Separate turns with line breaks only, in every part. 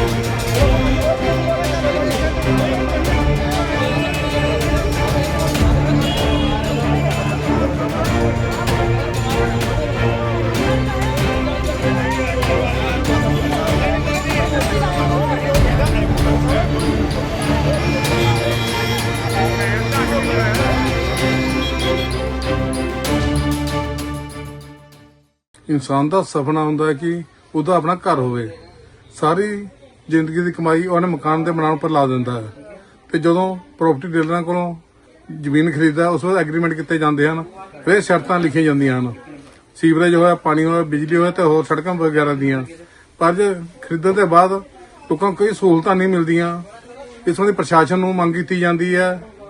इंसान का सपना हुंदा है कि ਉਹਦਾ अपना घर होवे। सारी जिंदगी की कमाई ਉਹਨੇ मकान के बनाने पर ला दिंदा है ते ਜਦੋਂ प्रॉपर्टी डीलरां कोलों ਜ਼ਮੀਨ खरीददा उस वक्त एग्रीमेंट किए जाते हैं, फिर शर्तां लिखियां जांदियां हैं, सीवरेज होया, पानी होया, बिजली होया ते होर सड़कां वगैरह दियां। पर जे खरीदण के बाद लोकां को कोई सहूलतां नहीं मिलदियां। इस संबंधी प्रशासन नूं मंग कीती जांदी है,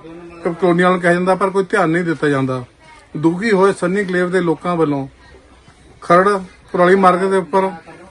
कलोनी वालों कहा जांदा, पर कोई ध्यान नहीं दिता जांदा। दुखी होए सन्नी एन्कलेव के लोकां वल्लों खरड़ कुराली मार्ग के उपर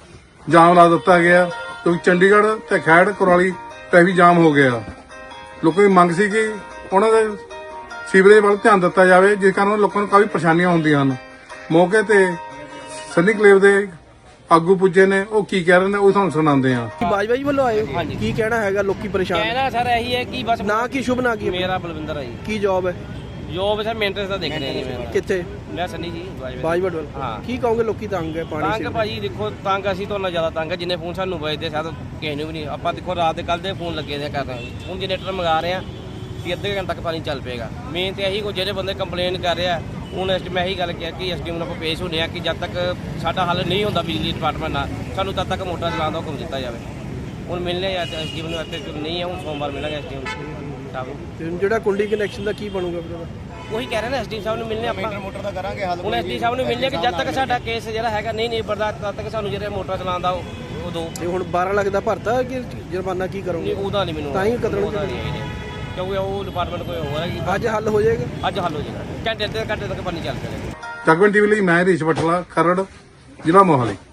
जाम ला दिता गया, क्योंकि चंडीगढ़ ते खैड़ कुराली ट्रैफिक जाम हो गया। लोगों की मंग सी कि उन्होंने सीवरेज वाल ध्यान दिता जाए, जिस कारण लोगों को काफ़ी परेशानियां होंदियां हैं। मौके ते सन्नी एन्कलेव के आगू पुजे ने, वो की कह रहे हैं, वो तुहानूं सुणांदे हां।
बाजवा जी वालों आए हो, की कहना हैगा? लोकी परेशान
कहना सर यही है कि बस
ना की शुभ ना की
मेरा बलविंदर है जी।
की जॉब है?
जॉब सर मेंटेनेंस ਦਾ ਦੇਖ ਰਹੇ ਜੀ ਮੈਂ
कितने?
ਮੈਂ ਸਨੀ ਜੀ
बाजवा वाल
हाँ।
की कहोगे लोकी तंग है पानी
ਤੰਗ
से?
ਭਾਜੀ ਦੇਖੋ ਤੰਗ ਅਸੀਂ ਤੋਂ ਨਾ ਜ਼ਿਆਦਾ ਤੰਗ ਹੈ, ਜਿੰਨੇ ਫੋਨ ਸਾਨੂੰ ਵੱਜਦੇ ਸ਼ਾਇਦ ਕਿਸੇ ਨੂੰ ਵੀ ਨਹੀਂ। ਆਪਾਂ ਦੇਖੋ ਰਾਤ ਦੇ ਕੱਲ ਦੇ ਫੋਨ ਲੱਗੇ ਨੇ ਕਰ ਰਹੇ ਹੁਣ ਜਨਰੇਟਰ ਮੰਗਾ ਰਹੇ ਆ ਕਿ ਅੱਧੇ ਘੰਟੇ ਤੱਕ ਪਾਣੀ ਚੱਲ ਪਏਗਾ। ਮੇਨ ਤੇ ਇਹੀ ਕੋ ਜਿਹੜੇ ਬੰਦੇ ਕੰਪਲੇਨ ਕਰ ਰਿਹਾ ਹੁਣ ਮੈਂ ਇਹੀ ਗੱਲ ਕਿਹਾ ਕਿ ਐਸਡੀਐਮ ਨੂੰ ਆਪਾਂ ਪੇਸ਼ ਹੁੰਦੇ ਆ ਕਿ ਜਦ ਤੱਕ ਸਾਡਾ ਹੱਲ ਨਹੀਂ ਹੁੰਦਾ ਬਿਜਲੀ ਡਿਪਾਰਟਮੈਂਟ ਨਾਲ, ਸਾਨੂੰ ਤਦ ਤੱਕ ਮੋਟਰ ਚਲਾਉਣ ਦਾ ਹੁਕਮ ਦਿੱਤਾ ਜਾਵੇ। ਹੁਣ ਮਿਲਨੇ ਆ ਐਸਡੀਐਮ ਨੂੰ, ਇੱਥੇ ਨਹੀਂ ਹੈ, ਹੁਣ ਸੋਮਵਾਰ ਮਿਲਾਂਗੇ ਐਸਡੀਐਮ ਸਾਹਿਬ।
ਜਿਹੜਾ ਕੁੰਡੀ ਕਨੈਕਸ਼ਨ ਦਾ ਕੀ ਬਣੂਗਾ ਫਿਰ?
ਉਹੀ ਕਹਿ ਰਹੇ ਨੇ ਐਸਡੀਐਮ ਸਾਹਿਬ ਨੂੰ ਮਿਲਨੇ ਆਪਾਂ ਮੋਟਰ ਦਾ ਕਰਾਂਗੇ ਹੱਲ। ਹੁਣ ਐਸਡੀ ਸਾਹਿਬ ਨੂੰ ਮਿਲਨੇ ਕਿ ਜਦ ਤੱਕ ਸਾਡਾ ਕੇਸ ਜਿਹੜਾ ਹੈਗਾ ਨਹੀਂ ਨਿਬੜਦਾ ਤਦ ਤੱਕ ਸਾਨੂੰ ਜਿਹੜੇ ਮੋਟਰ ਚਲਾਉਣ ਦਾ ਉਹ ਦੋ।
ਤੇ ਹੁਣ 12 ਲੱਖ ਦਾ ਭਰਤਾ ਕਿ ਜੁਰਮਾਨਾ ਕੀ ਕਰੋਗੇ?
ਨਹੀਂ ਉਹਦਾ ਨਹੀਂ ਮੈਨੂੰ
ਤਾਂ ਹੀ ਕਤਲ
ਕਿਉਂਕਿ ਉਹ ਡਿਪਾਰਟਮੈਂਟ ਕੋਈ ਹੋਰ ਹੈ।
ਅੱਜ ਹੱਲ ਹੋ ਜਾਏਗਾ?
ਅੱਜ ਹੱਲ ਹੋ ਜਾਏਗਾ, ਘੰਟੇ ਤੱਕ ਪਾਣੀ ਚੱਲ ਪਏਗਾ।
ਜਗਵੰਤ ਟੀਵੀ ਲਈ ਮੈਂ ਹਰੀਸ਼ ਬਠਲਾ, ਖਰੜ, ਜ਼ਿਲ੍ਹਾ ਮੋਹਾਲੀ।